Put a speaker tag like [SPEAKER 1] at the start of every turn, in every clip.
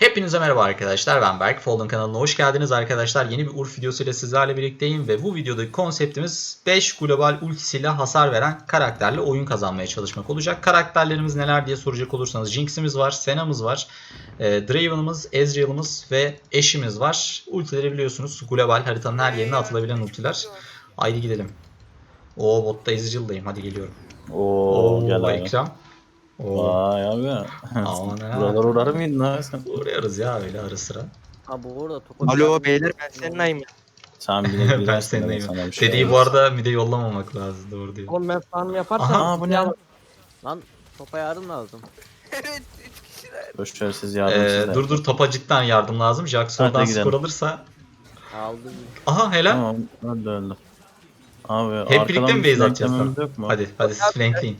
[SPEAKER 1] Hepinize merhaba arkadaşlar, ben Berk. Folden kanalına hoş geldiniz arkadaşlar. Yeni bir Urf videosuyla sizlerle birlikteyim ve bu videodaki konseptimiz 5 global ultisiyle hasar veren karakterle oyun kazanmaya çalışmak olacak. Karakterlerimiz neler diye soracak olursanız Jinx'imiz var, Senna'mız var, Draven'ımız, Ezreal'ımız ve Ashe'imiz var. Ultileri biliyorsunuz, global haritanın her yerine atılabilen ultiler. Haydi gidelim. Oo, botta Ezreal'dayım, hadi geliyorum.
[SPEAKER 2] Oo gel
[SPEAKER 1] Oo,
[SPEAKER 2] abi.
[SPEAKER 1] Ekrem. Oo,
[SPEAKER 2] Vay abi.
[SPEAKER 1] aman ha.
[SPEAKER 2] Buralar uğrar mıydın abi sen?
[SPEAKER 1] Uğruyoruz ya öyle ara sıra.
[SPEAKER 3] Ha bu arada topa bir
[SPEAKER 4] Alo
[SPEAKER 3] yardım
[SPEAKER 4] beyler
[SPEAKER 3] etmek
[SPEAKER 4] ben
[SPEAKER 3] için
[SPEAKER 4] senin
[SPEAKER 3] oldu.
[SPEAKER 4] ayım.
[SPEAKER 2] Sen bir de
[SPEAKER 1] Ben
[SPEAKER 2] girersin ben
[SPEAKER 1] sendeyim.
[SPEAKER 2] sana bir şey
[SPEAKER 1] Dediği bu
[SPEAKER 2] olmaz.
[SPEAKER 1] arada mide yollamamak lazım. Doğru diyor.
[SPEAKER 3] Oğlum ben farm yaparsam
[SPEAKER 1] Aha,
[SPEAKER 2] Aa bu ne?
[SPEAKER 3] lan topa yardım lazım.
[SPEAKER 4] Evet 3 kişiler.
[SPEAKER 2] Boşversiz yardımsız.
[SPEAKER 1] Dur topa cidden yardım lazım. Jax
[SPEAKER 2] Hadi
[SPEAKER 1] oradan
[SPEAKER 2] gidelim.
[SPEAKER 1] skor alırsa.
[SPEAKER 3] Aldım.
[SPEAKER 1] Aha helal.
[SPEAKER 2] Tamam öldü. Abi
[SPEAKER 1] Hep birlikte mi
[SPEAKER 2] bir
[SPEAKER 1] base atacağız?
[SPEAKER 2] flanklememiz
[SPEAKER 1] Tamam.
[SPEAKER 2] yok mu?
[SPEAKER 1] Hadi siz flankleyin.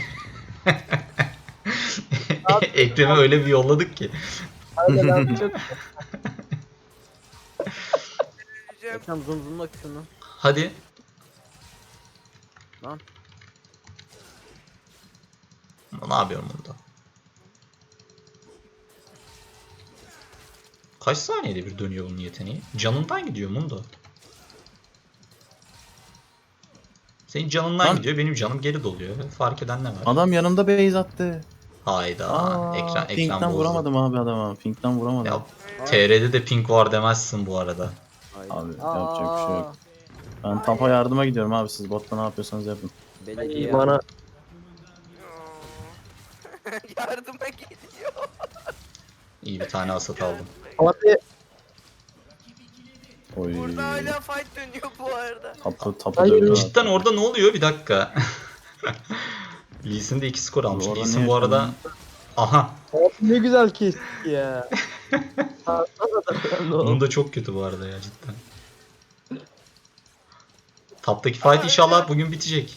[SPEAKER 1] Ekrem'i öyle bir yolladık ki.
[SPEAKER 3] Hadi lan çok.
[SPEAKER 4] Öleceğim.
[SPEAKER 3] Ekran zoomla şunu.
[SPEAKER 1] Hadi.
[SPEAKER 3] Lan.
[SPEAKER 1] Ne yapıyorum bunda? Kaç saniyede bir dönüyor bunun yeteneği? Canından gidiyor Mundo. Senin canından
[SPEAKER 2] Lan.
[SPEAKER 1] gidiyor, benim canım geri doluyor. Fark eden ne var?
[SPEAKER 2] Adam yanımda base attı.
[SPEAKER 1] Hayda. Ekran
[SPEAKER 2] Pink'ten
[SPEAKER 1] bozdu.
[SPEAKER 2] vuramadım abi adama. Pink'ten
[SPEAKER 1] Ya
[SPEAKER 2] vuramadım.
[SPEAKER 1] TR'de de pink var demezsin bu arada.
[SPEAKER 2] Abi yapacak bir şey yok. Ben tapa yardıma gidiyorum abi, siz botta ne yapıyorsanız yapın.
[SPEAKER 3] Belediye
[SPEAKER 4] Bana
[SPEAKER 3] yardım.
[SPEAKER 4] yardıma geliyor.
[SPEAKER 1] İyi bir tane asat aldım.
[SPEAKER 4] Abi
[SPEAKER 2] Oy.
[SPEAKER 4] burada hala fight dönüyor bu arada.
[SPEAKER 2] Tapı dövüyor.
[SPEAKER 1] Cidden orada ne oluyor? Bir dakika. Lee Sin de 2 skor almış.
[SPEAKER 2] Orada
[SPEAKER 1] Lee
[SPEAKER 2] ne
[SPEAKER 1] Sin bu arada...
[SPEAKER 2] yaşandı?
[SPEAKER 1] Aha.
[SPEAKER 5] Ne güzel kesti ya.
[SPEAKER 1] Bunun da çok kötü bu arada ya cidden. Taptaki fight inşallah bugün bitecek.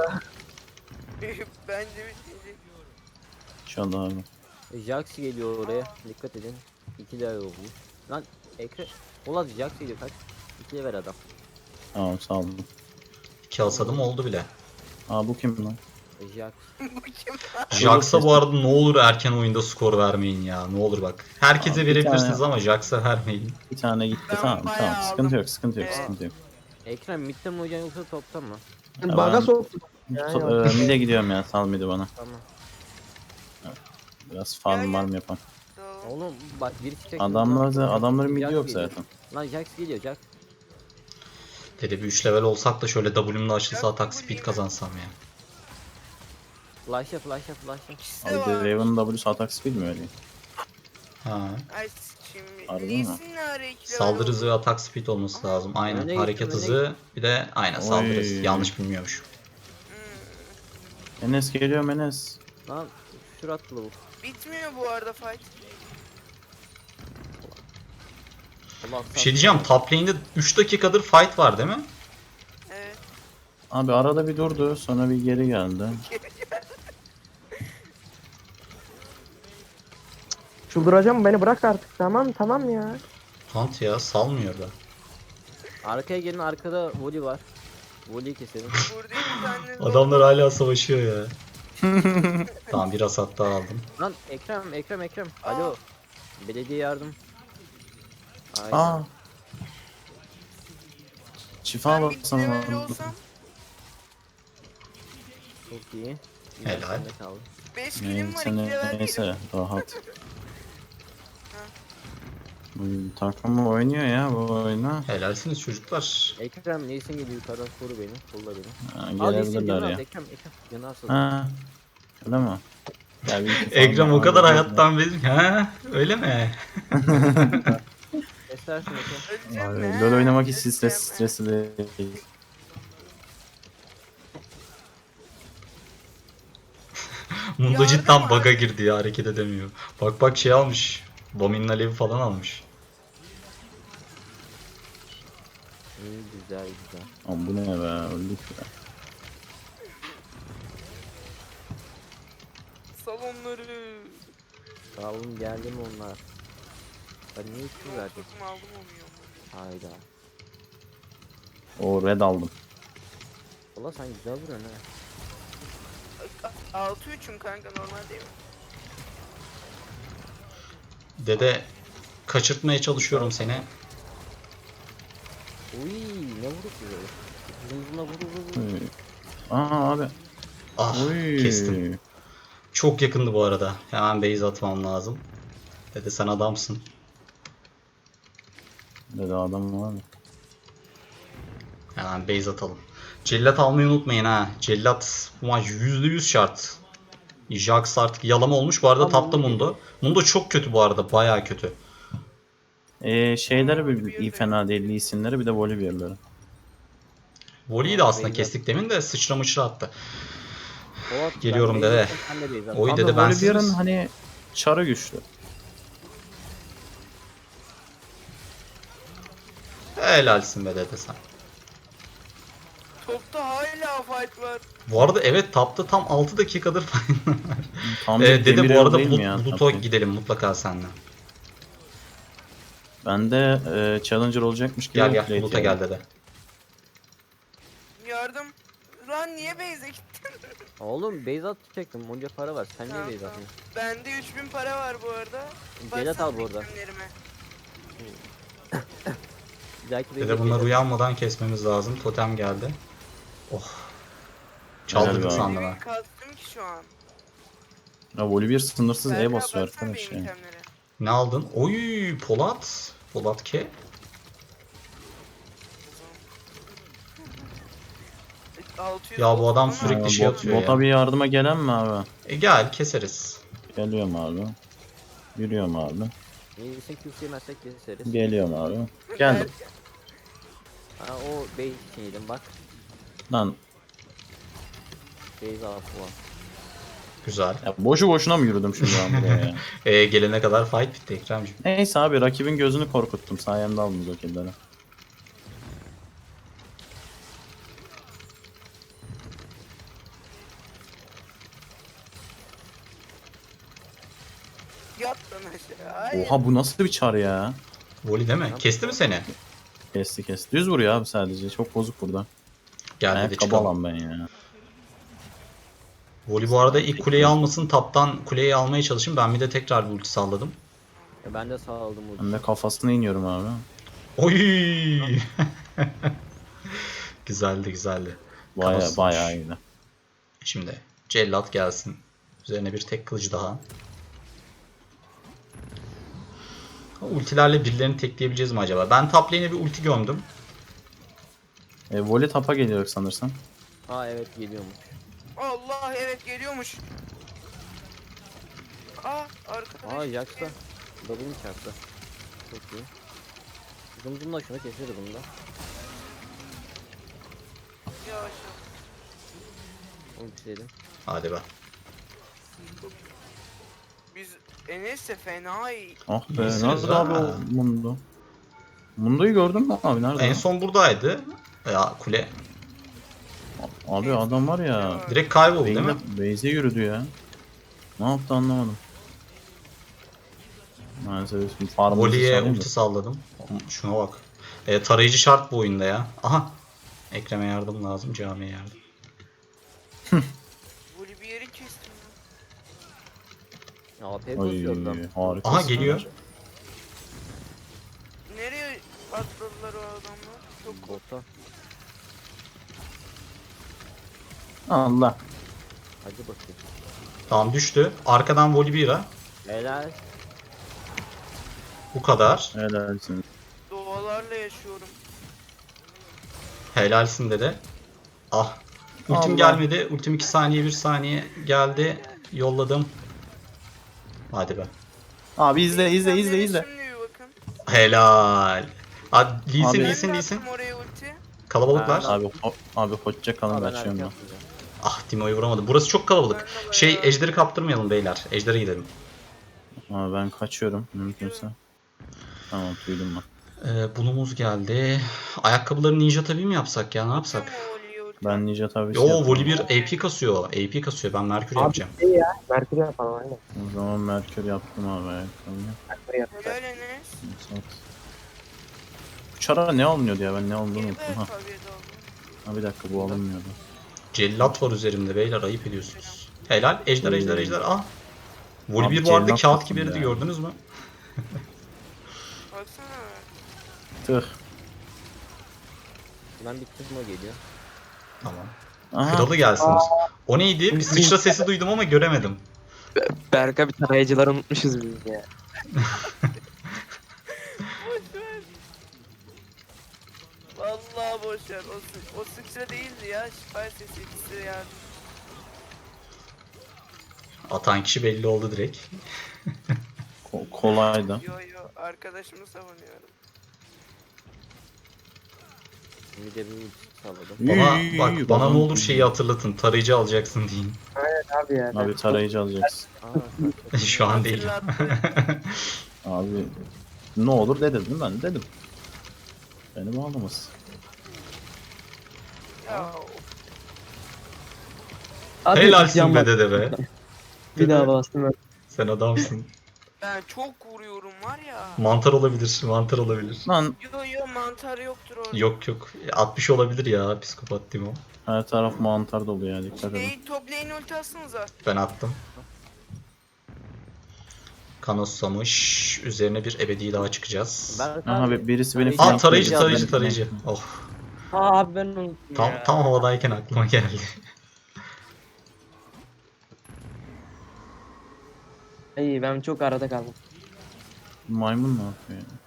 [SPEAKER 4] Bence bitecek.
[SPEAKER 2] İnşallah abi.
[SPEAKER 3] Jax geliyor oraya. Dikkat edin. 2 level oldu. Lan Ekrem. Ulan Jax geliyor kaç. 2 level adam.
[SPEAKER 2] Tamam sağ olun.
[SPEAKER 1] 2 asadım oldu bile.
[SPEAKER 2] Aa bu kim lan?
[SPEAKER 3] Jax.
[SPEAKER 4] Bu kim?
[SPEAKER 1] Jax'a bu arada ne olur erken oyunda skor vermeyin ya. Ne olur bak. Herkese
[SPEAKER 2] Abi bir
[SPEAKER 1] verebilirsiniz
[SPEAKER 2] tane-
[SPEAKER 1] ama Jax'a vermeyin.
[SPEAKER 2] Bir tane gitti,
[SPEAKER 4] Ben
[SPEAKER 2] tamam
[SPEAKER 4] bayağı
[SPEAKER 2] tamam, sıkıntı yok sıkıntı yok
[SPEAKER 4] Evet.
[SPEAKER 2] sıkıntı yok.
[SPEAKER 3] Ekrem midde mi oynayacaksın yoksa topta mı?
[SPEAKER 2] Ben-
[SPEAKER 5] Baga soktum. Ya, ya.
[SPEAKER 2] Mide gidiyorum ya, sal midi bana.
[SPEAKER 3] Tamam.
[SPEAKER 2] Biraz farm var mı yapan.
[SPEAKER 3] Oğlum bak biri çıkacak.
[SPEAKER 2] Adamların midi
[SPEAKER 3] Jax
[SPEAKER 2] yok
[SPEAKER 3] geliyor.
[SPEAKER 2] zaten.
[SPEAKER 3] Lan Jax geliyor Jax.
[SPEAKER 1] Dede bir 3 level olsak da şöyle W'mle açılsa atak speed kazansam ya.
[SPEAKER 3] Flash'a flash'a.
[SPEAKER 4] İkisi de
[SPEAKER 2] Abi
[SPEAKER 4] var.
[SPEAKER 2] Draven'ın W'su atak speed mi öyle?
[SPEAKER 1] Ha.
[SPEAKER 4] Ay şimdi.
[SPEAKER 2] Harbi mi?
[SPEAKER 4] Lee'sin ne ara ikili
[SPEAKER 1] Saldırı
[SPEAKER 4] oldu?
[SPEAKER 1] hızı ve atak speed olması lazım. Aynen.
[SPEAKER 3] Öne
[SPEAKER 1] Hareket
[SPEAKER 3] gittim, öne
[SPEAKER 1] hızı bir de aynen saldırı hızı.
[SPEAKER 2] Oy.
[SPEAKER 1] Yanlış bilmiyormuş.
[SPEAKER 2] Enes geliyor Enes.
[SPEAKER 3] Lan şur attı bu.
[SPEAKER 4] Bitmiyor bu arada fight.
[SPEAKER 3] Allah
[SPEAKER 1] Bir şey diyeceğim. Top lane'de 3 dakikadır fight var değil mi?
[SPEAKER 4] Evet.
[SPEAKER 2] Abi arada bir durdu, sonra bir geri geldi.
[SPEAKER 5] Çıldıracağım, beni bırak artık, tamam ya.
[SPEAKER 1] Hunt ya salmıyor da.
[SPEAKER 3] Arkaya gelin, arkada voli var. Voliyi keselim.
[SPEAKER 4] Burada bir tane
[SPEAKER 1] Adamlar hala savaşıyor ya. Tamam bir asat daha aldım.
[SPEAKER 3] Lan Ekrem. Alo. Belediye yardım. Aynen.
[SPEAKER 2] Aa. Şifa
[SPEAKER 4] ben bir
[SPEAKER 2] baksana.
[SPEAKER 4] level olsam
[SPEAKER 3] Çok iyi.
[SPEAKER 1] Helal.
[SPEAKER 3] Sende kaldı.
[SPEAKER 4] 5 kilim var 2 level
[SPEAKER 2] Neyse
[SPEAKER 4] değilim.
[SPEAKER 2] rahat. Bu takım oynuyor ya bu oyunu.
[SPEAKER 1] Helalsiniz çocuklar.
[SPEAKER 3] Ekrem neyse geliyor yukarıdan koru beni. Kolla beni.
[SPEAKER 2] Ha,
[SPEAKER 3] Al neyse
[SPEAKER 2] gelebilirler
[SPEAKER 3] canı
[SPEAKER 2] ya.
[SPEAKER 3] al Ekrem. Canı asıl.
[SPEAKER 2] Ha. Öyle mi? Ya bir iki
[SPEAKER 1] Ekrem
[SPEAKER 2] falan
[SPEAKER 1] o kadar
[SPEAKER 2] var.
[SPEAKER 1] hayattan bezmiş. Ha öyle mi?
[SPEAKER 3] Kesersin Ekrem.
[SPEAKER 4] Öleceğim
[SPEAKER 2] Abi,
[SPEAKER 4] mi?
[SPEAKER 2] LoL oynamak hiç
[SPEAKER 4] Öleceğim.
[SPEAKER 2] stresli değil.
[SPEAKER 1] Mundo
[SPEAKER 4] Yardım
[SPEAKER 1] cidden
[SPEAKER 4] var.
[SPEAKER 1] bug'a girdi ya hareket edemiyor. Bak şey almış. Bomin'in alevi falan almış.
[SPEAKER 3] İyi güzel.
[SPEAKER 2] Ama bu ne be, öldük ya.
[SPEAKER 4] Salonları.
[SPEAKER 3] Sağ olun geldi mi onlar? Ben niye üstü verdim?
[SPEAKER 4] Kızım aldım onu ya.
[SPEAKER 3] Hayda.
[SPEAKER 2] O red aldım.
[SPEAKER 3] Valla sen güzel vuruyorsun ha.
[SPEAKER 4] 6-3'üm kanka normal değil mi?
[SPEAKER 1] Dede kaçırtmaya çalışıyorum seni.
[SPEAKER 3] Uy ne vurduk biz öyle. Zımzımla vur.
[SPEAKER 2] Uy. Aa abi.
[SPEAKER 1] Ah
[SPEAKER 2] Uy.
[SPEAKER 1] kestim. Çok yakındı bu arada. Hemen base atmam lazım. Dede sen adamsın.
[SPEAKER 2] Dedi adam var mı?
[SPEAKER 1] Hemen base atalım. Cellat almayı unutmayın ha. Cellat bu maç %100 şart. Jax artık yalama olmuş. Bu arada
[SPEAKER 3] Tamam,
[SPEAKER 1] tapta Mundo. Mundo çok kötü bu arada. Bayağı kötü.
[SPEAKER 2] Şeyleri bir iyi fena değil. Lee Sin'leri bir de Volibear'ları.
[SPEAKER 1] Voli'yi de aslında
[SPEAKER 3] Base
[SPEAKER 1] kestik demin de sıçra mıçra attı.
[SPEAKER 3] Polat,
[SPEAKER 1] Geliyorum
[SPEAKER 3] ben
[SPEAKER 1] dede.
[SPEAKER 3] base atsam sen de base at.
[SPEAKER 1] Oy
[SPEAKER 2] Abi
[SPEAKER 1] dede ben
[SPEAKER 2] Volibear'ın
[SPEAKER 1] siz.
[SPEAKER 2] hani çarı güçlü.
[SPEAKER 1] Helalsin be dede sen.
[SPEAKER 4] Topta hala fight var.
[SPEAKER 1] Bu arada evet tapta tam 6 dakikadır falan.
[SPEAKER 2] Tam
[SPEAKER 1] Dede
[SPEAKER 2] demir
[SPEAKER 1] bu
[SPEAKER 2] yol
[SPEAKER 1] arada
[SPEAKER 2] değil mi ya?
[SPEAKER 1] Bulut'a
[SPEAKER 2] Tabii.
[SPEAKER 1] gidelim mutlaka seninle.
[SPEAKER 2] Ben de Challenger olacakmış gibi.
[SPEAKER 1] Gel
[SPEAKER 2] plate
[SPEAKER 1] Bulut'a
[SPEAKER 2] yiyorum.
[SPEAKER 1] gel dede.
[SPEAKER 4] Yardım. Lan niye base'e gittin?
[SPEAKER 3] Oğlum base atacaktım. Onca para var. Sen niye
[SPEAKER 4] Tamam,
[SPEAKER 3] base
[SPEAKER 4] tamam.
[SPEAKER 3] atmıyorsun?
[SPEAKER 4] Bende 3000 para var bu arada.
[SPEAKER 3] Celat al bu arada.
[SPEAKER 4] itemlerime.
[SPEAKER 3] Bir dahaki base'e
[SPEAKER 1] Dede bunlar
[SPEAKER 3] Celat-
[SPEAKER 1] uyanmadan kesmemiz lazım. Totem geldi. Oh.
[SPEAKER 2] Helal
[SPEAKER 1] Çaldırdık
[SPEAKER 2] be.
[SPEAKER 1] sandım ha.
[SPEAKER 4] Evi kastım ki şu an.
[SPEAKER 2] Ya Volibear sınırsız
[SPEAKER 4] Berkay,
[SPEAKER 2] E basıyor
[SPEAKER 4] baksana
[SPEAKER 2] arkadaş
[SPEAKER 4] benim
[SPEAKER 2] ya.
[SPEAKER 4] itemlere.
[SPEAKER 1] Ne aldın? Oy Polat. Polat ke.
[SPEAKER 4] 600
[SPEAKER 1] Ya bu adam
[SPEAKER 4] gold
[SPEAKER 1] sürekli
[SPEAKER 4] ama
[SPEAKER 1] şey atıyor
[SPEAKER 2] Bota
[SPEAKER 1] ya.
[SPEAKER 2] bir yardıma gelen mi abi?
[SPEAKER 1] Gel keseriz.
[SPEAKER 2] Geliyorum abi. Yürüyorum abi.
[SPEAKER 3] Neyse Q'su yemezsek keseriz.
[SPEAKER 2] Geliyorum abi. Geldim.
[SPEAKER 3] Ha o base için yedim bak.
[SPEAKER 2] Lan
[SPEAKER 3] Base al falan.
[SPEAKER 1] Güzel.
[SPEAKER 2] ya boşu boşuna mı yürüdüm şimdi ben buraya ya?
[SPEAKER 1] Gelene kadar fight bitti Ekrem'ciğim.
[SPEAKER 2] Neyse abi rakibin gözünü korkuttum. Sayemde aldınız o killleri.
[SPEAKER 4] Yat lan aşağı. Hayır.
[SPEAKER 2] Oha bu nasıl bir çar ya?
[SPEAKER 1] Voli değil mi? Kesti mi seni?
[SPEAKER 2] Kesti kesti. Düz vuruyor abi sadece. Çok bozuk burada.
[SPEAKER 1] Gel dedi
[SPEAKER 2] Ayakkabı
[SPEAKER 1] çıkalım.
[SPEAKER 2] alan ben ya.
[SPEAKER 1] Voli bu arada ilk kuleyi almasın. Taptan kuleyi almaya çalışın. Ben bir de tekrar bir ulti salladım.
[SPEAKER 3] Ben de sağ aldım bu.
[SPEAKER 2] Ben de kafasına iniyorum abi.
[SPEAKER 1] Oy! Güzeldi güzeldi.
[SPEAKER 2] Baya
[SPEAKER 1] Kafasına.
[SPEAKER 2] baya iyiydi.
[SPEAKER 1] Şimdi cellat gelsin. Üzerine bir tek kılıcı daha. Ultilerle birilerini tekleyebileceğiz mi acaba? Ben top lane'e bir ulti gömdüm.
[SPEAKER 2] Voli tapa geliyor sanırsam.
[SPEAKER 3] Aa evet geliyormuş.
[SPEAKER 4] Allah evet geliyormuş. Aa arkadaş.
[SPEAKER 3] Aa Jax'ta. W'ni çarptı. Çok iyi. Zımzımla şunu keseriz bunu da.
[SPEAKER 4] Yavaş.
[SPEAKER 3] Onu bitirelim.
[SPEAKER 1] Hadi be.
[SPEAKER 4] Biz Enes'le fena iyi.
[SPEAKER 2] Ah be
[SPEAKER 1] İyisiniz
[SPEAKER 2] nerede
[SPEAKER 1] ha.
[SPEAKER 2] abi o Mundo? Mundo'yu gördün mü abi nerede?
[SPEAKER 1] En son buradaydı. Ya kule.
[SPEAKER 2] Abi adam var ya.
[SPEAKER 1] Direkt kayboldu değil mi?
[SPEAKER 2] Base'e yürüdü ya. Ne yaptı anlamadım. Maalesef şimdi farmımızı
[SPEAKER 1] Voli'ye
[SPEAKER 2] salayım da.
[SPEAKER 1] ulti salladım. Şuna bak. Tarayıcı şart bu oyunda ya. Aha. Ekrem'e yardım lazım. Camiye yardım.
[SPEAKER 4] Böyle bir yeri kestim ya.
[SPEAKER 3] AP
[SPEAKER 2] Oy
[SPEAKER 3] basıyor adam.
[SPEAKER 2] harika.
[SPEAKER 1] Aha geliyor.
[SPEAKER 4] Nereye atladılar o adamlar? Çok korktum.
[SPEAKER 3] Bota.
[SPEAKER 2] Allah.
[SPEAKER 3] Hadi bakayım.
[SPEAKER 1] Tamam düştü. Arkadan Volibear'a.
[SPEAKER 3] Helal.
[SPEAKER 1] Bu kadar.
[SPEAKER 2] Helalsin.
[SPEAKER 4] Doğalarla yaşıyorum.
[SPEAKER 1] Helalsin dede. Ah. Ultim
[SPEAKER 2] Allah.
[SPEAKER 1] gelmedi. Ultim 2 saniye 1 saniye geldi. Yolladım. Hadi be.
[SPEAKER 2] Abi izle izle izle
[SPEAKER 4] İtemlere
[SPEAKER 2] izle.
[SPEAKER 4] Şimdi bir bakın.
[SPEAKER 1] Helal. Hadi Lee Sin,
[SPEAKER 2] Abi-
[SPEAKER 1] Lee
[SPEAKER 4] Ben
[SPEAKER 1] Sin,
[SPEAKER 4] de
[SPEAKER 1] Lee Sin.
[SPEAKER 4] attım oraya ulti.
[SPEAKER 1] Kalabalıklar.
[SPEAKER 2] Abi hoşça kalın
[SPEAKER 3] Aa, ben
[SPEAKER 2] kaçıyorum
[SPEAKER 3] hareket
[SPEAKER 2] ben.
[SPEAKER 3] yapmayacağım.
[SPEAKER 1] Ah Timo'yu vuramadım. Burası çok kalabalık.
[SPEAKER 4] Ben de
[SPEAKER 1] Şey
[SPEAKER 4] bayağı-
[SPEAKER 1] Ejder'i kaptırmayalım beyler. Ejder'e gidelim.
[SPEAKER 2] Abi ben kaçıyorum mümkünse. Tamam duydum ben.
[SPEAKER 1] Bulumuz geldi. Ayakkabıları ninja tabii mi yapsak ya? Ne yapsak?
[SPEAKER 4] Attım o Voli'ye ulti.
[SPEAKER 2] Ben Ninja tabii
[SPEAKER 1] Yo Volibear AP kasıyor. AP kasıyor. Ben Merkür
[SPEAKER 5] Abi
[SPEAKER 1] yapacağım.
[SPEAKER 5] şey ya. Merkür yapalım aynen.
[SPEAKER 2] O zaman Merkür yaptım abi ayakkabıyı.
[SPEAKER 5] Merkür yapalım.
[SPEAKER 4] Helal Enes.
[SPEAKER 2] Sat. Bu çara ne alınıyordu ya ben ne olduğunu
[SPEAKER 4] İyi be
[SPEAKER 2] unuttum ha.
[SPEAKER 4] tabii de oldu.
[SPEAKER 2] Ha bir dakika bu alınmıyordu.
[SPEAKER 1] Cellat var üzerimde beyler. Ayıp ediyorsunuz. Helal. Ejder, ejder, ejder. Ah. Volibear
[SPEAKER 2] Abi
[SPEAKER 1] bu arada
[SPEAKER 2] cellat
[SPEAKER 1] kağıt
[SPEAKER 2] yaptım
[SPEAKER 1] gibi eridi
[SPEAKER 2] ya.
[SPEAKER 1] gördünüz mü?
[SPEAKER 4] Baksana.
[SPEAKER 2] Tüh.
[SPEAKER 3] Ben bir kızma geliyor.
[SPEAKER 1] Tamam.
[SPEAKER 2] Aha.
[SPEAKER 1] Kralı gelsin. O neydi? Bir sıçra sesi duydum ama göremedim.
[SPEAKER 6] Berk'a bir tarayıcıları unutmuşuz biz ya.
[SPEAKER 4] Vallahi boşver. O sıçra değildi ya. Şifa sesi ikisi yani.
[SPEAKER 1] Atan kişi belli oldu direkt.
[SPEAKER 2] Kolaydı.
[SPEAKER 4] Yo yo arkadaşımı savunuyorum.
[SPEAKER 3] Bir de bir ulti salladım.
[SPEAKER 1] Bana bana ne olur şeyi hatırlatın. Tarayıcı alacaksın deyin.
[SPEAKER 5] Abi ya.
[SPEAKER 2] Abi tarayıcı alacaksın.
[SPEAKER 3] Aa,
[SPEAKER 1] Şu an değil.
[SPEAKER 4] Hatırlattı.
[SPEAKER 2] Abi ne olur dedim ben dedim. Beni bağlamaz.
[SPEAKER 4] Ya
[SPEAKER 5] Abi,
[SPEAKER 1] Helalsin
[SPEAKER 5] yan
[SPEAKER 1] be
[SPEAKER 5] bak.
[SPEAKER 1] dede be.
[SPEAKER 5] Bir daha bastım ben.
[SPEAKER 1] Sen adamsın.
[SPEAKER 4] ben çok vuruyorum var ya.
[SPEAKER 1] Mantar olabilir. Mantar olabilir.
[SPEAKER 2] Lan
[SPEAKER 4] Yo yo mantar yoktur orada.
[SPEAKER 1] Yok yok. 60 olabilir ya. Psikopat Timo.
[SPEAKER 2] her taraf mantar dolu ya, dikkat edin.
[SPEAKER 4] Şey top lane ulti atsanıza.
[SPEAKER 1] Ben attım. Kanoslamış. Üzerine bir ebedi daha çıkacağız.
[SPEAKER 3] Berk
[SPEAKER 2] Aha
[SPEAKER 3] abi,
[SPEAKER 2] birisi beni
[SPEAKER 1] Aa
[SPEAKER 3] tarayıcı
[SPEAKER 1] tarayıcı
[SPEAKER 3] aldım.
[SPEAKER 1] Oh.
[SPEAKER 5] Aa abi ben unuttum ya.
[SPEAKER 1] Tam havadayken aklıma geldi.
[SPEAKER 5] İyi ben çok arada kaldım.
[SPEAKER 2] Maymun ne yapıyor ya?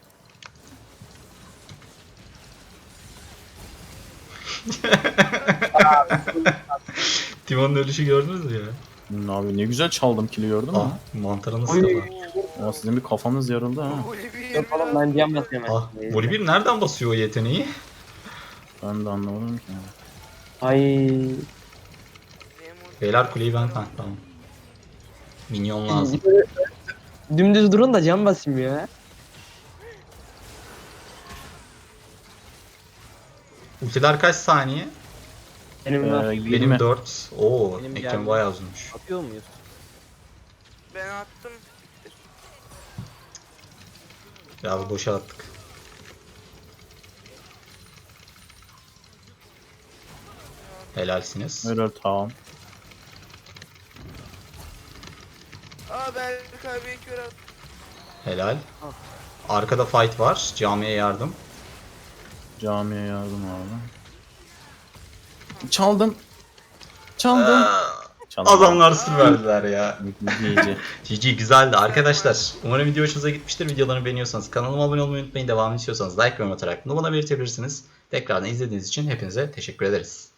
[SPEAKER 1] Timo'nun ölüşü gördünüz mü ya?
[SPEAKER 2] Abi ne güzel çaldım kili, gördün mü?
[SPEAKER 1] Aa, mantarı nasıl
[SPEAKER 5] Oy.
[SPEAKER 1] var?
[SPEAKER 2] Ya sizin bir kafanız yarıldı ha.
[SPEAKER 5] Yok oğlum ben cam basıyorum.
[SPEAKER 1] Ah, Volibear nereden basıyor o yeteneği?
[SPEAKER 2] Ben de anlamadım ki.
[SPEAKER 5] Ay.
[SPEAKER 1] Beyler kuleyi ben... Ha, tamam. Minyon lazım.
[SPEAKER 5] Dümdüz durun da cam basayım ya.
[SPEAKER 1] Ultiler kaç saniye?
[SPEAKER 5] Benim var.
[SPEAKER 2] 20.
[SPEAKER 1] Benim 4. Oo,
[SPEAKER 3] Benim
[SPEAKER 1] ekran
[SPEAKER 3] geldi.
[SPEAKER 1] bayağı uzunmuş.
[SPEAKER 3] Atıyor muyuz?
[SPEAKER 4] Ben attım.
[SPEAKER 1] Ya boşa attık. Helalsiniz.
[SPEAKER 2] Helal, tamam.
[SPEAKER 4] Aa Berk abiye kör at.
[SPEAKER 1] Helal. Arkada fight var. Camiye yardım.
[SPEAKER 2] Camiye yardım abi. Çaldım. Çaldım. Çaldım.
[SPEAKER 1] Adamlar sır verdiler ya.
[SPEAKER 2] İyice.
[SPEAKER 1] GG güzeldi arkadaşlar. Umarım video hoşunuza gitmiştir. Videolarımı beğeniyorsanız kanalıma abone olmayı unutmayın. Devamını istiyorsanız like ve yorum atarak bunu bana belirtebilirsiniz. Tekrardan izlediğiniz için hepinize teşekkür ederiz.